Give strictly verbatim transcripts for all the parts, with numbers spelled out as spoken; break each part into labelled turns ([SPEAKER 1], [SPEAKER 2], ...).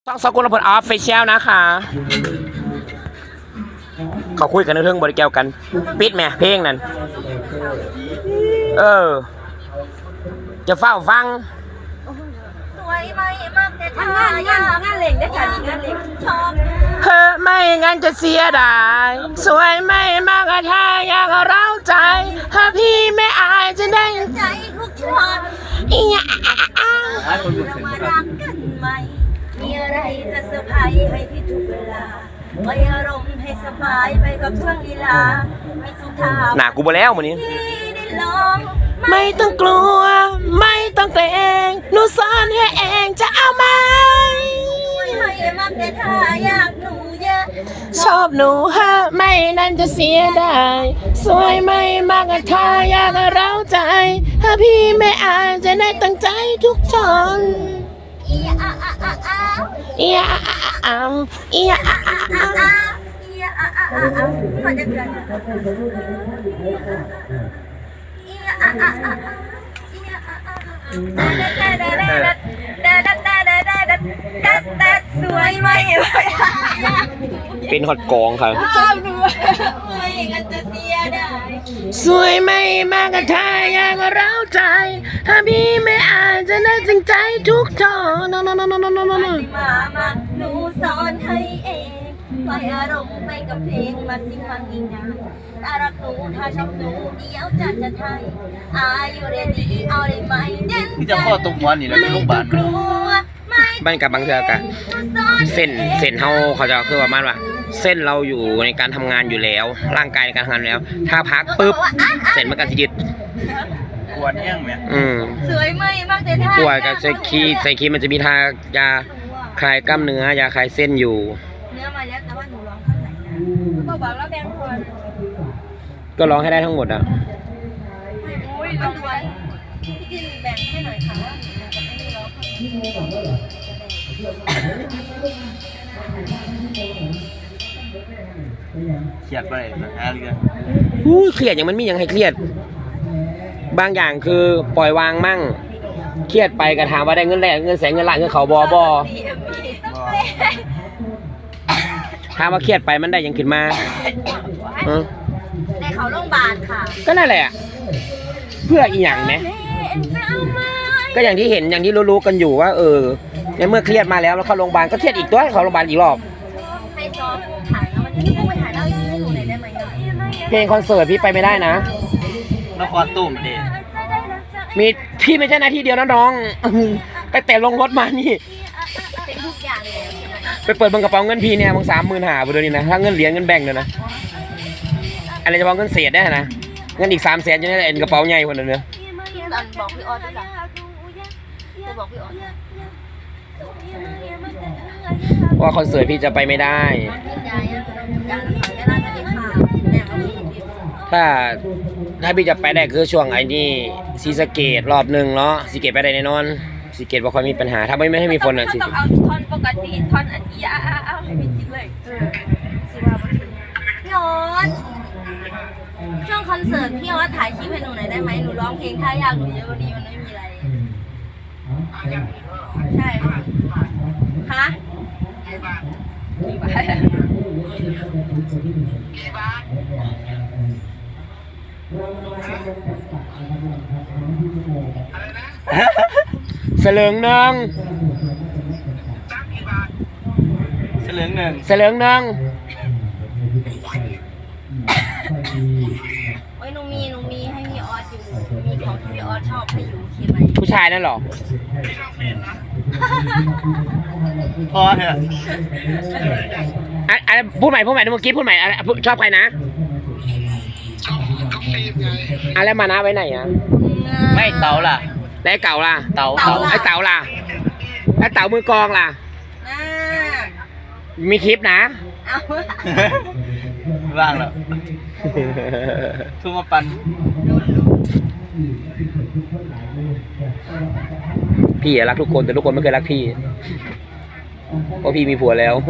[SPEAKER 1] ต้องสกุลพลออฟฟิเชียลนะคะเขาคุยกันเรื่องบริเกี่ยวกันปิดแม่เพลงนั่นเออจะเฝ้าฟัง
[SPEAKER 2] สวยไหมมากแต่ถ้างานงานงานเล่งได้ค่ะงานเล่งชอบ
[SPEAKER 1] เฮ้ไม่งั้นจะเสียดายสวยไม่มากถ้าอยากเร้าใจถ้าพี่ไม่อายจะได้
[SPEAKER 2] ใจทุกช็อต
[SPEAKER 1] อีหยา
[SPEAKER 2] เรามารักกันไหมมีอะไรจะเซอร์ไพรส์ให้พี่ทุกเวลาไว้อารมณ์ให้สบายไปกับช่วงลีลาไม่สุดท้าย
[SPEAKER 1] หนากูบ่แล้วมื้อนี้
[SPEAKER 2] ได้ลอง
[SPEAKER 1] ไม่ต้องกลัวไม่ต้องเกรงหนูสอนให้เองจะเอาไหม
[SPEAKER 2] ไม่มากแต่ถ้าอยากหนูเยอะ
[SPEAKER 1] ชอบหนูฮะไม่นั่นจะเสียดายสวยไม่มากถ้าอยากเร้าใจถ้าพี่ไม่อายจะได้ตั้งใจทุกตอน
[SPEAKER 2] อีอาอาอาอา
[SPEAKER 1] อีอาอาอาอีอาอาอาอา
[SPEAKER 2] อีอาอาอาอาพอจะเกินอีอาอาอาอีอาอาอาสวยไหม
[SPEAKER 1] เป็นฮอตกองครับ
[SPEAKER 2] ไม่งั้นจะเสียดาย
[SPEAKER 1] สวยไม่มากถ้าอยากเร้าใจถ้าพี่ไม่อายจะได้จริงใจทุกทอนนนนนนนน
[SPEAKER 2] มามาหนูสอนให้เองปล่อยอารมณ์ไปกับเพลงมาสิฟังอีกนานถ้ารักหนูถ้าชอบหนูเดี๋ยวจะจะไทยอายุเรียนดีเอาได้ไหมเด่น
[SPEAKER 3] ที่จะข้อตรงวันนี่แหละเป็นโรงพยาบาล
[SPEAKER 1] บ้านกับบางเทือกะเส้นเส้นเฮาเขาจะคือประมาณว่าเส้นเราอยู่ในการทำงานอยู่แล้วร่างกายในการทำงานแล้วถ้าพักปุ๊บเส้นมันก็จะยึด
[SPEAKER 3] ปวดแห้งไหม
[SPEAKER 1] อืม
[SPEAKER 2] สวยไหมมากแต่ท่า
[SPEAKER 1] ปวดกับใส่คีใส่คีมันจะมีทายาคลายกล้ามเนื้อยาคลายเส้นอยู่
[SPEAKER 2] เนื้อมาแล้วแต่ว่าหนูร้องข้างไหนนะก็บอกแล้วแบ่งคน
[SPEAKER 1] ก็ร้องให้ได้ทั้งหมดอ่ะ
[SPEAKER 2] โอ้ยร้องไว้พี่จินแบ่งให้หน่อยค่ะว่าหนูจะไม่ร้อง
[SPEAKER 3] เครียดไปนะฮะเรื่อง
[SPEAKER 1] อู้เครียดอย่างมันมีอย่างให้เครียดบางอย่างคือปล่อยวางมั่งเครียดไปกระถามว่าได้เงินแรกเงินแสนเงินล้านเงินเขาบอบอถามว่าเครียดไปมันได้ยังขึ้นมา
[SPEAKER 2] ในเขาโรงพยาบาลค่ะ
[SPEAKER 1] ก็นั่นแหละเพื่ออีหยังไหมก็อย่างที่เห็นอย่างที่รู้ๆกันอยู่ว่าเออในเมื่อเครียดมาแล้วแล้วเข้าโรงพยาบาลก็เครียดอีกตัวเข้าโรงพยาบาลอีกรอบ
[SPEAKER 2] ให้ซ้อมถ่ายแล้วมันจะต้องไปถ่ายแล้วให้หนูหน่อยได้ไหม
[SPEAKER 1] เพลงคอนเสิร์ตพี่ไปไม่ได้นะ
[SPEAKER 3] นครตุ้มเด็
[SPEAKER 1] มีพี่ไม่ใช่หน้าที่เดียวนะน้องแต่แต่ลงรถมานี่
[SPEAKER 2] เป็นทุกอย่างเลย
[SPEAKER 1] ไปเปิดบังกระเป๋าเงินพี่เนี่ยบังสามหมื่นหาไปเลยนี่นะถ้าเงินเหรียญเงินแบ่งเลยนะอะไรจะบอกเงินเศษได้นะเงินอีกสามแสนจะได้เอ็นกระเป๋าใหญ่คนนึงเนี่ย
[SPEAKER 2] บอกพี่ออสด้วยล่ะจะบอกพี่ออส
[SPEAKER 1] ว่าคอนเสิร์ตพี่จะไปไม่ได้ถ้าถ้าพี่จะไปได้คือช่วงไอ้นี่ซีสเกตรอบหนึ่งเนาะซีเกตไปได้แน่นอนซีเกตบ่ค่อยมีปัญหาถ้าไม่ไม่ให้มีฝนอ่ะ
[SPEAKER 2] ซีต้องเอาท่อนปกติท่อนอันนี้เอาให้พี่จิตเลยเออซีว่าพี่ออสช่วงคอนเสิร์ตพี่ออสถ่ายคลิปให้หนูหน่อยได้ไหมหนูร้องเพลงถ้าอยากหนูเยอะวันนี้มันไม่มีอะไรใช่ค่ะฮะ
[SPEAKER 1] เสลิงหนึ่ง
[SPEAKER 3] เสลิงหนึ่ง
[SPEAKER 1] เสลิงหนึ่ง
[SPEAKER 2] โอ้ยหนูมีหนูมีให้พี่ออสอยู่มีของที่พี่ออสชอบให้อยู่ใช่ไหม
[SPEAKER 1] ผู้ชายนั่นหรอ
[SPEAKER 3] พอเถอะ
[SPEAKER 1] อะไรพูดใหม่พูดใหม่เมื่อกี้พูดใหม่อะไรชอบใครนะ
[SPEAKER 3] ชอบชอบตีมไง
[SPEAKER 1] อะไรมานะไว้ไหนอ่ะ
[SPEAKER 3] ไม่เต๋าล่ะ
[SPEAKER 1] แล้วเก่าล่ะ
[SPEAKER 3] เต๋า
[SPEAKER 1] ไอ้เต๋าล่ะไอ้เต๋ามือกองล่ะมีคลิปนะ
[SPEAKER 3] ว่างแล้วทุ่มมาปัน
[SPEAKER 1] พี่รักทุกคนแต่ทุกคนไม่เคยรักพี่เพราะพี่มีผัวแล้ว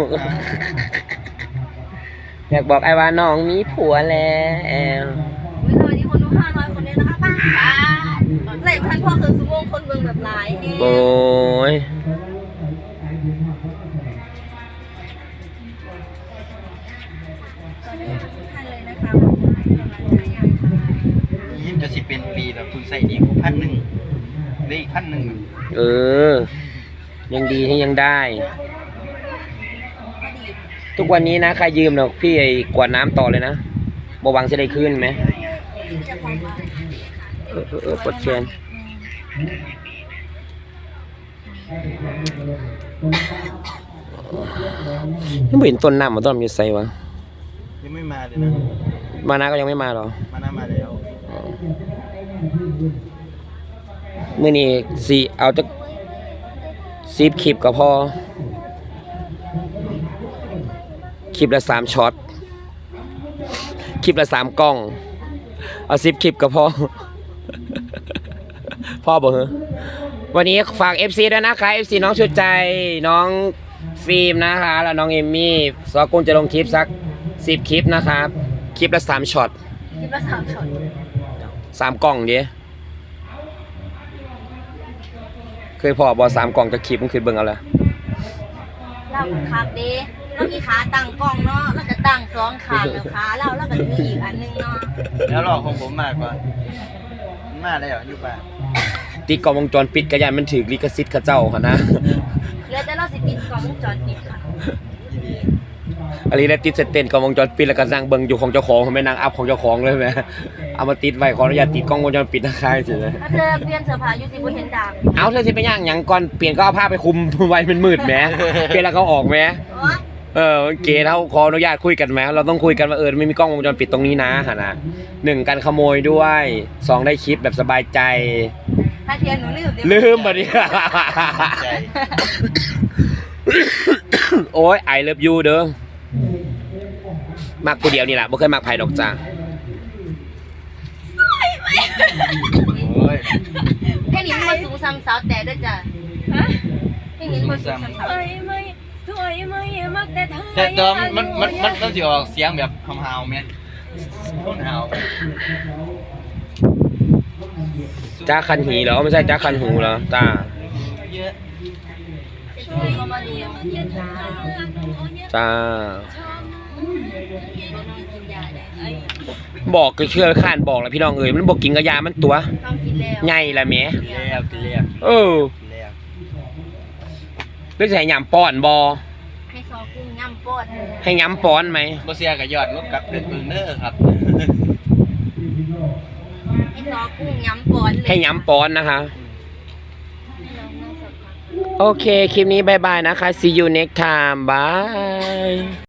[SPEAKER 1] อยากบอกไอ้ว่าน้องมีผัวแล้ว
[SPEAKER 2] สวัสดีคนดูห้าร้อยคนเลยนะคะป้าไหนพันพ่อคือสมองคนเมืองแบบหลาย
[SPEAKER 1] โอ้ย
[SPEAKER 3] คุณใส่ดีกูพันหนึ่งได้อีกพันหนึ่ง
[SPEAKER 1] เออ ยังดีที่ยังได้
[SPEAKER 2] พอดี
[SPEAKER 1] ทุกวันนี้นะใครยืมเนาะพี่ไอ้กวาดน้ำต่อเลยนะบหวังจะได้ขึ้นไหม
[SPEAKER 2] จะพร้อมว่า
[SPEAKER 1] เออเออเออปวดแขนยังไม่เห็นต้นน้ำมันต้นมันอยู่ไสวะ
[SPEAKER 3] ยังไม่มาเลยนะ
[SPEAKER 1] มานะก็ยังไม่มาหรอ
[SPEAKER 3] มาหน้ามาแล้ว
[SPEAKER 1] มื่อนี้สีเอาจะซีบคลิปก็พอคลิปละสามช็อตคลิปละสามกล้องเอาซิปคลิปก็พอ พ่อบอกเหรอวันนี้ฝาก เอฟ ซี ด้วยนะคะ เอฟ ซี น้องชุดใจน้องฟิล์มนะคะแล้วน้องเอมมี่ซอกุ้งจะลงคลิปสักสิบคลิปนะครับคลิปละสามช็อต
[SPEAKER 2] คิดว่าสามช็อต
[SPEAKER 1] สามกล่องเดียเคยพอบอสามกล่องจะคลิปมันคือเบิ่งเอาละ
[SPEAKER 2] เราขาเด้เรามีขาตั้งกล้องเนาะแล้วก็ตั้งสองขาแล้วขาเราแล้วก็มีอีกอันนึงเนาะ
[SPEAKER 3] แล้วรอของผมมากกว่ามันมาได้เหรออยู่ป่ะ
[SPEAKER 1] ติดกล้องวงจรปิดกระยานมันถือลิขสิทธิ์เข้าเจ้าค่ะนะ
[SPEAKER 2] เหลือแต่เราสิติดกล้องวงจรปิดค่ะ
[SPEAKER 3] ดี
[SPEAKER 1] อันนี้ได้ติดเสร็จเต้นกล้องวงจรปิดแล้วก็นั่งเบิ่งอยู่ของเจ้าของไม่นั่งอัพของเจ้าของเลยไหมเอามาติดไว้ขออนุญาตติดกล้องวงจรปิดนะคะสิเลย
[SPEAKER 2] ถ้าเธอเปลี่ยนเสื้อผ้าอยู่สิบ่เห็นดาบ
[SPEAKER 1] เอาเธอสิไปย่างหยังก่อนเปลี่ยนก็เอาผ้าไปคลุม ไว้มันมืดแหมเปลี่ยนแล้วเขาออกแหม
[SPEAKER 2] โอ๊ย
[SPEAKER 1] เออเก๋เราขออนุญาตคุยกันไหมเราต้องคุยกันว่าเออไม่มีกล้องวงจรปิดตรงนี้นะค่ะนะหนึ่งการขโมยด้วยสองได้คลิปแบบสบายใจ
[SPEAKER 2] ถ้าเทียนหนูลืมเดี๋ยว
[SPEAKER 1] ลืมมาดิ
[SPEAKER 3] ใจ
[SPEAKER 1] โอ้ยไอเลิฟยูเด้อมักผู้เดียวนี่แหละไม่เคยมักไผ่ดอกจ้า
[SPEAKER 3] โอ้ย
[SPEAKER 2] เพลงนี้มันสูงซ้ำสาวแต่ด้วยจ้ะเพลงนี้มันสูงซ้ำสาว
[SPEAKER 4] สวยไหมสวยไหมมักแต่เธอ
[SPEAKER 3] แต่ตอนมันมันมันต้องสิออกเสียงแบบคำฮาวไหมคนฮาว
[SPEAKER 1] จ้าคันหีเหรอไม่ใช่จ้าคันหูเหรอจ้า
[SPEAKER 3] เยอะ
[SPEAKER 2] ช่วยเขามาเรียนจ้า
[SPEAKER 1] จ้า
[SPEAKER 2] ไอ้
[SPEAKER 1] บอกก็เชื่อข้านบอกแล้วพี่น้องเอ๋ยมันบอกกินกระยามันตัว
[SPEAKER 2] ต้องกินแล้ว
[SPEAKER 1] ใหญ่ละแหม่
[SPEAKER 3] กินแล้วกินแล้ว
[SPEAKER 1] เออ
[SPEAKER 3] กินแล้ว
[SPEAKER 1] หรือจะให้ยำป้อนบอ
[SPEAKER 2] ให้ซอกุ้งย่ำปอด
[SPEAKER 1] ให้ยำป้อนไหม
[SPEAKER 3] บ่เสียกับยอดลบกับเดือนเบิ่งเด้อครับ
[SPEAKER 2] ให้ซอกุ้งย่ำปอดเลย
[SPEAKER 1] ให้ย้ำป้อนนะคะ
[SPEAKER 2] ให้น้องนั่งสักพัก
[SPEAKER 1] โอเค คลิปนี้บายบายนะคะ see you next time bye